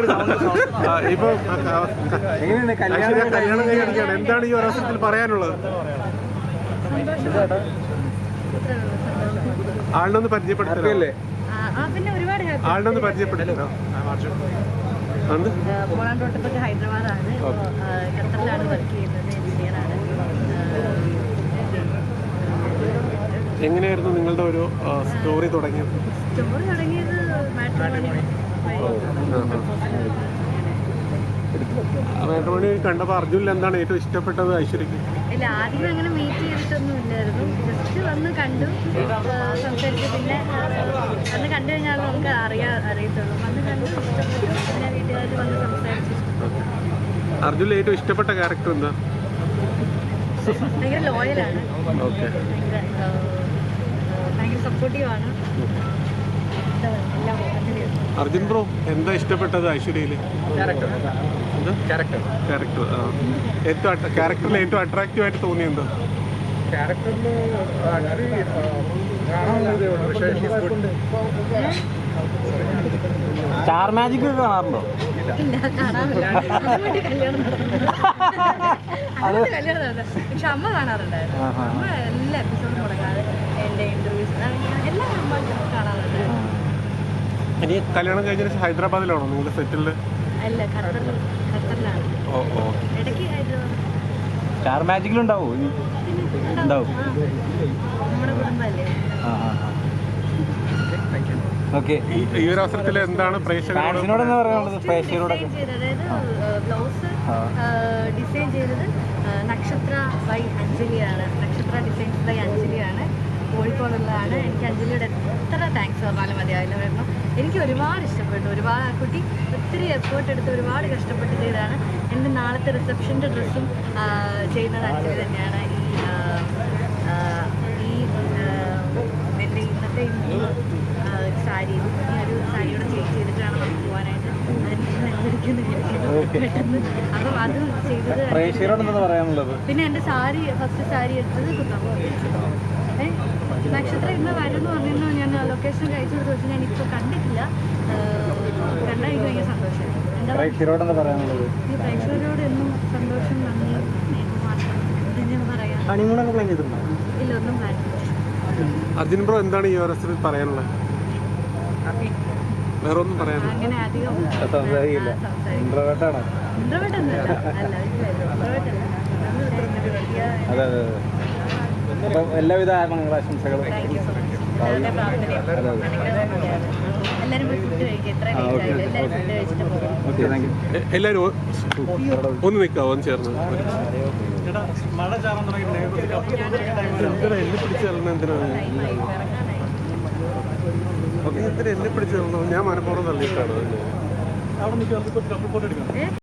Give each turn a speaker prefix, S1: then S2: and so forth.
S1: ഇപ്പൊ കല്യാണം കഴിഞ്ഞിരിക്കുകയാണ്. എന്താണ് ഈ ഒരവസരത്തിൽ പറയാനുള്ളത്? ആളിനൊന്ന് പരിചയപ്പെടുത്തല്ലേ? ആളിനൊന്ന് പരിചയപ്പെടുത്തല്ലോ.
S2: ഹൈദരാബാദാണ്, ഖത്തറിലാണ് വർക്ക് ചെയ്യുന്നത്, എഞ്ചിനീയറാണ്.
S1: എങ്ങനെയായിരുന്നു നിങ്ങളുടെ ഒരു സ്റ്റോറി തുടങ്ങിയത്? മാട്രിമോണി കണ്ടപ്പോൾ അർജുനിൽ എന്താണ് ഏറ്റവും ഇഷ്ടപ്പെട്ടത് ഐശ്വര്യക്ക്?
S2: ഇല്ല, ആദ്യം അങ്ങനെ മീറ്റ് ചെയ്തിട്ടൊന്നും ഇല്ലായിരുന്നു. ജസ്റ്റ് വന്ന് കണ്ടു, സംസാരിച്ചു. പിന്നെ വന്ന് കണ്ടു കഴിഞ്ഞാൽ നമുക്ക് അറിയത്തുള്ളൂ. വന്ന് കണ്ടു, ഇഷ്ടപ്പെട്ടു. പിന്നെ വീട്ടുകാർ വന്ന് സംസാരിച്ചു.
S1: അർജുനിൽ ഏറ്റവും ഇഷ്ടപ്പെട്ട ക്യാരക്ടർ എന്താ?
S2: ഭയങ്കര ലോയലാണ്, ഭയങ്കര സപ്പോർട്ടീവാണ്.
S1: അർജുൻ ബ്രോ, എന്താ ഇഷ്ടപ്പെട്ടത് ഐശ്വര്യയില്? ക്യാരക്ടറിൽ ഏറ്റവും അട്രാക്റ്റീവ് ആയിട്ട് തോന്നിയെന്തോ?
S3: സ്റ്റാർ മാജിക് ഒക്കെ കാണാറുണ്ടോ?
S2: പക്ഷെ അമ്മ കാണാറുണ്ടായിരുന്നു. അമ്മ എല്ലാ എപ്പിസോഡും മുടങ്ങാതെ എൻ്റെ ഇന്റർവ്യൂസ് എല്ലാം അമ്മ കാണാറുണ്ടായിരുന്നു.
S1: ഇനി കല്യാണം കഴിഞ്ഞ ഹൈദരാബാദിലാണോ നിങ്ങളുടെ സെറ്റിൽഡ്?
S2: അല്ല, ഖത്തറിലാണ്. ഇടയ്ക്ക് ഹൈദരാബാദ്.
S3: സ്റ്റാർ മാജിക്കിലുണ്ടാവോ? ഉണ്ടാവും.
S2: നമ്മുടെ കുടുംബമല്ലേ.
S3: ഓക്കെ,
S1: ഈ ഒരു അവസരത്തിൽ എന്താണ് പ്രേക്ഷകരോട്
S3: പറയാനുള്ളത്? പ്രേക്ഷകരോടൊക്കെ
S2: അതായത് ബ്ലൗസ് ഡിസൈൻ ചെയ്തത് നക്ഷത്ര ബൈ അഞ്ജലിയാണ്. നക്ഷത്ര ഡിസൈൻസ് ബൈ അഞ്ജലിയാണ്, കോഴിക്കോടുള്ളതാണ്. എനിക്ക് അഞ്ജലിയുടെ എത്ര താങ്ക്സ് പറഞ്ഞാലും മതിയാവില്ല. കാരണം എനിക്ക് ഒരുപാട് ഇഷ്ടപ്പെട്ടു. ഒരുപാട് കുട്ടി ഒത്തിരി എഫേർട്ട് എടുത്ത് ഒരുപാട് കഷ്ടപ്പെട്ട് ചെയ്തതാണ്. എൻ്റെ നാളത്തെ റിസപ്ഷൻ്റെ ഡ്രസ്സും ചെയ്യുന്നത് അഞ്ജലി തന്നെയാണ്. എൻ്റെ ഇന്നത്തെ സാരിയും ഈ ഒരു സാരിയോടെ ചേഞ്ച് ചെയ്തിട്ടാണ് നമുക്ക് പോകാനായിട്ട് പെട്ടെന്ന്. അപ്പം അത് ചെയ്തത്. പിന്നെ എൻ്റെ സാരി, ഫസ്റ്റ് സാരി എടുത്തത് കുത്തമ്പോ. നക്ഷത്രം ഇന്ന് വരുമെന്ന് പറഞ്ഞിരുന്നു. ഞാൻ ലൊക്കേഷൻ അയച്ചു കൊടുത്ത് വെച്ച് ഞാൻ ഇപ്പോൾ കണ്ടിട്ടില്ല. കണ്ടാൽ എനിക്ക് ഭയങ്കര സന്തോഷം. പ്രേക്ഷകരോട് എന്നും സന്തോഷം, നന്ദി, മാത്രം ഞാൻ പറയാം. ഇല്ല, ഒന്നും പ്ലാൻ.
S1: അർജുൻ ബ്രോ, എന്താണ് ഈ അവസരത്തിൽ പറയാനുള്ളത്? വേറെ ഒന്നും പറയാനില്ല.
S2: അങ്ങനെ അധികം
S3: എല്ലാവിധ ആശംസകളും.
S1: എല്ലാവരും ഒന്ന് നിൽക്കാവോ? ഒന്ന് ചേർന്ന് എന്നെ പിടിച്ചേർന്ന എന്തിനാണ്? എന്നെ പിടിച്ചേർന്നത് ഞാൻ മനഃപൂർവ്വം തള്ളിയിട്ടാണ്.